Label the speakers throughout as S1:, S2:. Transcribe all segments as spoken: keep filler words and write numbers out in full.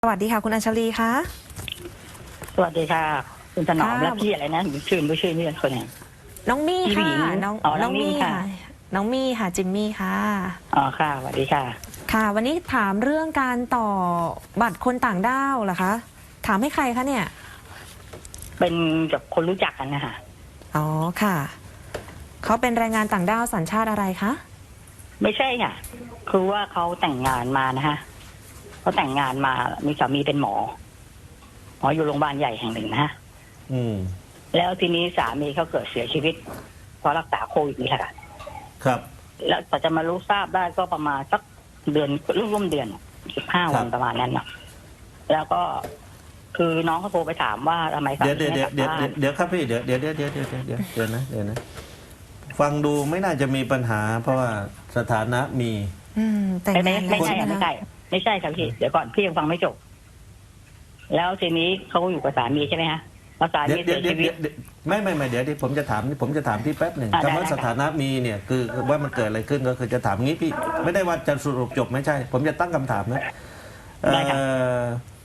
S1: สวัสดีค่ะคุณอัญชลีคะ
S2: สวัสดีค่ะคุณถนอมและพี่อะไรนะชื่อไม่ชื่อนี่คนเนี่ย
S1: น้องมี่ค่ะน้อง
S2: น้องมี่ค่ะ
S1: น้องมี่ค่ะจิมมี่ค่ะ
S2: อ๋อค่ะสวัสดีค่ะ
S1: ค่ะวันนี้ถามเรื่องการต่อบัตรคนต่างด้าวเหรอคะถามให้ใครคะเนี่ย
S2: เป็นกับคนรู้จักกันนะคะ
S1: อ๋อค่ะเขาเป็นแรงงานต่างด้าวสัญชาติอะไรคะ
S2: ไม่ใช่ค่ะคือว่าเขาแต่งงานมานะฮะเขาแต่งงานมามีสามีเป็นหมอหมออยู่โรงพยาบาลใหญ่แห่งหนึ่งนะฮะ
S3: อืม
S2: แล้วทีนี้สามีเขาเกิดเสียชีวิตเพราะรักษาโควิดนี่แหละ
S3: ครับ
S2: แล้วแต่จะมารู้ทราบได้ก็ประมาณสักเดือนร่วมเดือนสิบห้าวันประมาณนั้นเนาะแล้วก็คือน้องเขาโทรไปถามว่าทำไมสามี
S3: เดี๋ยวเดี๋ยวเดี๋ยวเดี๋ยวเดี๋ยวครับพี่เดี๋ยวเดี๋ยวเดี๋ยวเดี๋ยวเดี๋ยวเดี๋ยวเดี๋ยวนะเดี๋ยวนะฟังดูไม่น่าจะมีปัญหา เพราะว่าสถานะมี
S1: อืมแต่ง
S2: ไม่
S1: งาน
S2: ไม่
S1: แล้ว
S2: ใช่
S1: ใช่ไหม
S2: ไม่
S1: คะ
S2: ใช่ไม่ใช่ครับพี่เดี๋ยวก่อนพี่ยังฟังไม่จบแล้วทีนี้เขาอยู่กับสามีใช่ไหมฮะพอสา
S3: เดี๋ย
S2: มี
S3: วเดี๋
S2: เสี
S3: ยวย เดี๋ยว
S2: ชีวิต
S3: เดี๋ยวไม่ไม่ไม่เดี๋ยวที่ผมจะถามผมจะถามพี่แป๊บหนึ่ง
S2: อ่าได้
S3: คำว่า
S2: ได้
S3: สถานะมีเนี่ยคือว่ามันเกิดอะไรขึ้นก็คือจะถามงี้พี่ไม่ได้ว่าจะสรุปจบไม่ใช่ ผมจะตั้งคำถามนะเอ่อ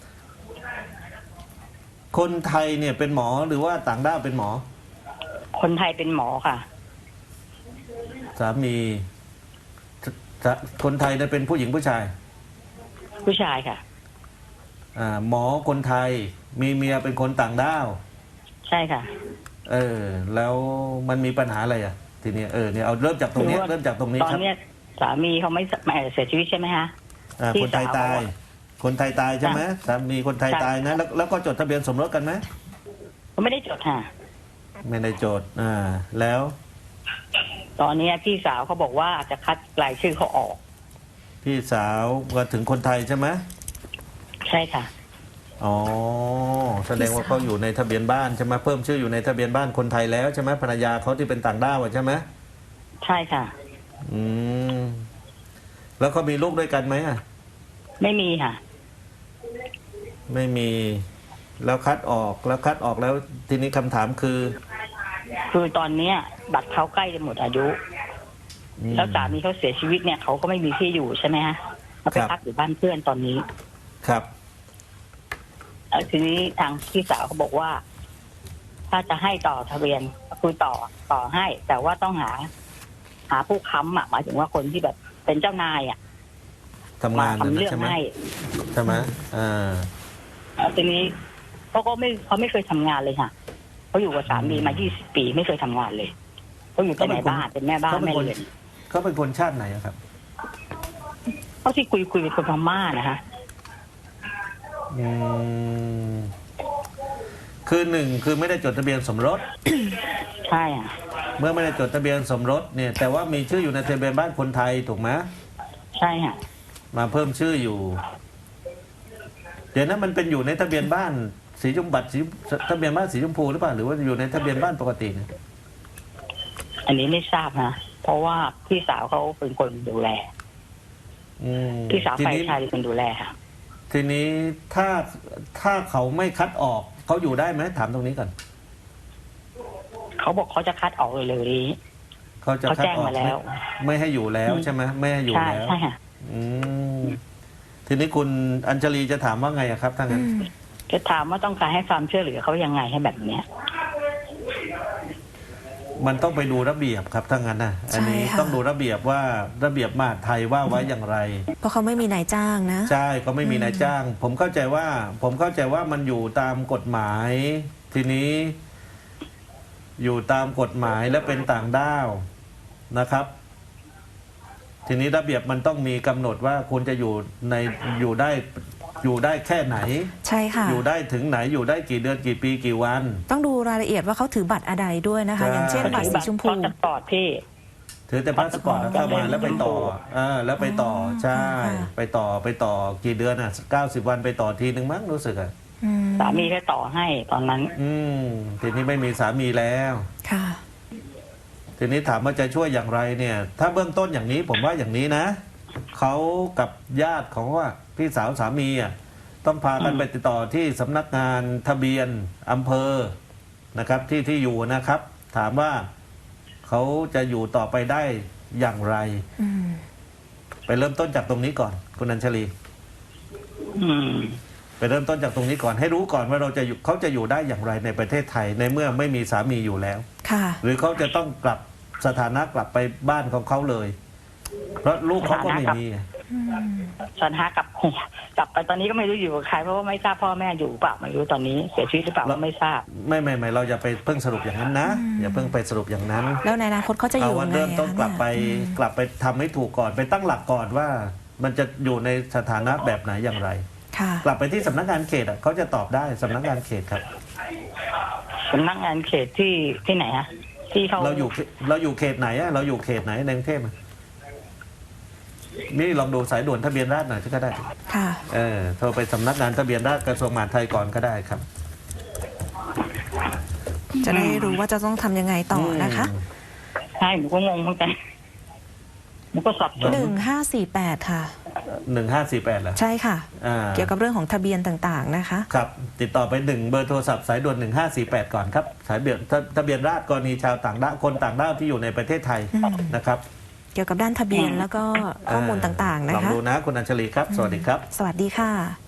S3: คนไทยเนี่ยเป็นหมอหรือว่าต่างด้าวเป็นหมอ
S2: คนไทยเป็นหมอค่ะ
S3: สามีสคนไทยเนี่ยเป็นผู้หญิงผู้ชาย
S2: ผู้ชายค่ะ
S3: อ่าหมอคนไทยมีเมียเป็นคนต่างด้าว
S2: ใช่ค่ะ
S3: เออ แล้วมันมีปัญหาอะไรอ่ะ ทีนี้เออเนี่ยเอาเริ่มจากตรงนี้เริ่มจากตรงนี้
S2: ตอน
S3: ครับ
S2: เนี้ยสามีเขาไม่ไม่เสียชีวิตใช่ไหมฮะ
S3: อ่า
S2: พี่
S3: คนไทย
S2: สาว
S3: ตาย คนไทยตายใช่ไหมสามีคนไทย
S2: ใช่
S3: ตายนะแล้วแล้วก็จดทะเบียนสมรสกันไหม
S2: เขาไม่ได้จดค่ะ
S3: ไม่ได้จดอ่าแล้ว
S2: ตอนเนี้ยพี่สาวเขาบอกว่าจะคัดรายชื่อเขาออก
S3: พี่สาวก็ถึงคนไทยใช่ไหม
S2: ใช่ค่ะ
S3: อ๋อแสดงว่าเขาอยู่ในทะเบียนบ้านใช่ไหมเพิ่มชื่ออยู่ในทะเบียนบ้านคนไทยแล้วใช่ไหมภรรยาเขาที่เป็นต่างด้าวอะใช่ไหม
S2: ใช่ค่ะ
S3: อืมแล้วเขามีลูกด้วยกันไหมอ่ะ
S2: ไม่มีค่ะ
S3: ไม่มีแล้วคัดออกแล้วคัดออกแล้วทีนี้คำถามคือ
S2: คือตอนเนี้ย บัตรเขาใกล้จะหมดอายุ
S3: อืม
S2: แล้วสามีเขาเสียชีวิตเนี่ยเขาก็ไม่มีที่อยู่ใช่ไหมฮะเขาไป
S3: ครับ
S2: พักอยู่บ้านเพื่อนตอนนี้
S3: ครับ
S2: แล้วทีนี้ทางพี่สาวเขาบอกว่า ถ้าจะให้ต่อทะเบียนคือต่อต่อให้ แต่ว่าต้องหา หาผู้ค้ำอ่ะหมายถึงว่าคนที่แบบเป็นเจ้านายอ่ะ
S3: ทำงาน
S2: ทำ
S3: นะ
S2: เรื่อง
S3: ใช่ไหม
S2: ให้
S3: ใช่ไหมอ่า
S2: แล้วทีนี้เขาก็ไม่เขาไม่เคยทำงานเลยค่ะเขาอยู่กับสามีมายี่สิบปีไม่เคยทำงานเลยเขาอยู่แต่ในบ้านเป็นแม่บ้าน
S3: เขาเป็น
S2: แม่
S3: คน
S2: เรือน
S3: เขาเป็นคนชาติไหนอะครับ
S2: เขาที่คุยคุยเป็นคนพม่านะคะ
S3: อืมคือหนึ่งคือไม่ได้จดทะเบียนสมรส
S2: ใช่อ่ะ
S3: เมื่อไม่ได้จดทะเบียนสมรสเนี่ย แต่ว่ามีชื่ออยู่ในทะเบียนบ้านคนไทยถูกไหม
S2: ใช่ค่ะ
S3: มาเพิ่มชื่ออยู่ เดี๋ยวนั้นมันเป็นอยู่ในทะเบียนบ้านสีชมบัตรสีทะเบียนบ้านสีชมพูหรือเปล่าหรือว่าอยู่ในทะเบียนบ้านปกติเนี่ย
S2: อันนี้ไม่ทราบนะเพราะว่าพี่สาวเขาเป็นคนดูแล
S3: อืม
S2: พี่สาว
S3: ที
S2: ฝ่าย
S3: นี้
S2: ชายเป็นคนดูแลค่ะ
S3: ทีนี้ถ้าถ้าเขาไม่คัดออกเขาอยู่ได้ไหมถามตรงนี้ก่อน
S2: เขาบอกเขาจะคัดออกเลยเลยนี้
S3: เขาจะ
S2: เขา
S3: คัด
S2: แจ้ง
S3: ออก
S2: มาแล้ว
S3: ไม่ไม่ให้อยู่แล้วใช่ไหมไม่ให้อยู่
S2: ใช่
S3: แล้ว
S2: ใช่ค่ะ
S3: อืมทีนี้คุณอัญชลีจะถามว่าไงอะครับถ้างั้น
S2: จะถามว่าต้องการให้ความช่วยเหลือเขายังไงให้แบบเนี้ย
S3: มันต้องไปดูระเบียบครับถ้างั้นนะอันนี้
S1: ใช่ค่ะ
S3: ต้องดูระเบียบว่าระเบียบมหาดไทยว่าไว้อย่างไร
S1: เพราะเขาไม่มีนายจ้างนะ
S3: ใช่ก็ไม่มีนายจ้าง ผมเข้าใจว่า ผมเข้าใจว่ามันอยู่ตามกฎหมาย ทีนี้ อยู่ตามกฎหมายและเป็นต่างด้าวนะครับ ทีนี้ระเบียบมันต้องมีกำหนดว่าคุณจะอยู่ในอยู่ได้อยู่ได้แค่ไหน
S1: ใช่ค่ะ
S3: อยู่ได้ถึงไหนอยู่ได้กี่เดือนกี่ปีกี่วัน
S1: ต้องดูรายละเอียดว่าเขาถือบัตรอะไรด้วยนะคะ
S3: ใช่
S1: อย่างเช่นบัตรสีชมพู
S2: เขาจะปลอดพี่
S3: ถือแต่พาสปอร์ตแล้วเข้ามาแล้วไปต่อเออแล้วไปต่อใช่ ไปต่อไปต่อกี่เดือนอ่ะเก้าสิบวันไปต่อทีหนึ่งมั้งรู้สึกอ่ะ
S1: อืม
S2: สามีแค่ต่อให้ตอนนั้น
S3: อืมทีนี้ไม่มีสามีแล้ว
S1: ค่ะ
S3: ทีนี้ถามว่าจะช่วยอย่างไรเนี่ย ถ้าเบื้องต้นอย่างนี้ผมว่าอย่างนี้นะเขากับญาติของว่าพี่สาวสามีอ่ะต้องพากันไปติดต่อที่สำนักงานทะเบียนอำเภอนะครับ ที่ที่อยู่นะครับ ถามว่าเขาจะอยู่ต่อไปได้อย่างไร
S1: อืม
S3: ไปเริ่มต้นจากตรงนี้ก่อนคุณอัญชลี
S2: อืม
S3: ไปเริ่มต้นจากตรงนี้ก่อนให้รู้ก่อนว่าเราจะอยู่เขาจะอยู่ได้อย่างไรในประเทศไทยในเมื่อไม่มีสามีอยู่แล้ว
S1: ค่ะ
S3: หรือเขาจะต้องกลับสถานะกลับไปบ้านของเขาเลย เพราะลูกเขาก็ไม่มี
S2: สถานะกลับกลับไปตอนนี้ก็ไม่รู้อยู่กับใครเพราะว่าไม่ทราบพ่อแม่อยู่เปล่าไม่รู้ตอนนี้เสียชีวิตหรือเปล่าก็ไม่ทราบ
S3: ไม่ไม่ไม่เราอย่าไปเพิ่งสรุปอย่างนั้นนะ อย่าเพิ่งไปสรุปอย่างนั้น
S1: แล้วในอนาคตเขาจะอ
S3: เอา
S1: ยู่
S3: วัน
S1: ไง
S3: เริ่ม
S1: อะ
S3: ต้น
S1: คะ
S3: กลับไป
S1: เนี่ย
S3: กลับไปทำให้ถูกก่อนไปตั้งหลักก่อนว่า มันจะอยู่ในสถานะแบบไหนอย่างไร
S1: ค่ะ
S3: กลับไปที่สำนักงานเขตอ่ะเขาจะตอบได้สำนักงานเขตครับ
S2: สำนักงานเขตที่ที่ไหนฮะที่เขา
S3: เราอยู่เราอยู่เขตไหนอะเราอยู่เขตไหนในกรุงเทพอะนี่ลองดูสายด่วนทะเบียนราษฎร์หน่อยก็ได้
S1: ค่ะ
S3: เออโทรไปสำนักงานทะเบียนราษฎร์กระทรวงมหาดไทยก่อนก็ได้ครับ
S1: จะได้รู้ว่าจะต้องทำยังไงต่อนะคะ
S3: อืม
S2: ใช่หนูก็งงเหมือนกันหนูก็สับสน
S1: หนึ่งห้าสี่แปดค่ะ
S3: หนึ่งห้าสี่แปดเหรอ
S1: ใช่ค่ะ
S3: อ่า
S1: เกี่ยวกับเรื่องของทะเบียนต่างๆนะคะ
S3: ครับ ติดต่อไปหนึ่งเบอร์โทรศัพท์สายด่วนหนึ่งห้าสี่แปดก่อนครับสายเบียนทะเบียนราษฎร์กรณีชาวต่างด้าวคนต่างด้าวที่อยู่ในประเทศไทย
S1: อืม
S3: นะครับ
S1: เกี่ยวกับด้านทะเบียนแล้วก็ข้อมูลต่างๆ
S3: ล
S1: นะ
S3: อง
S1: คะ
S3: ดูนะคุณอัญชลีครับ สวัสดีครับ
S1: สวัสดีค่ะ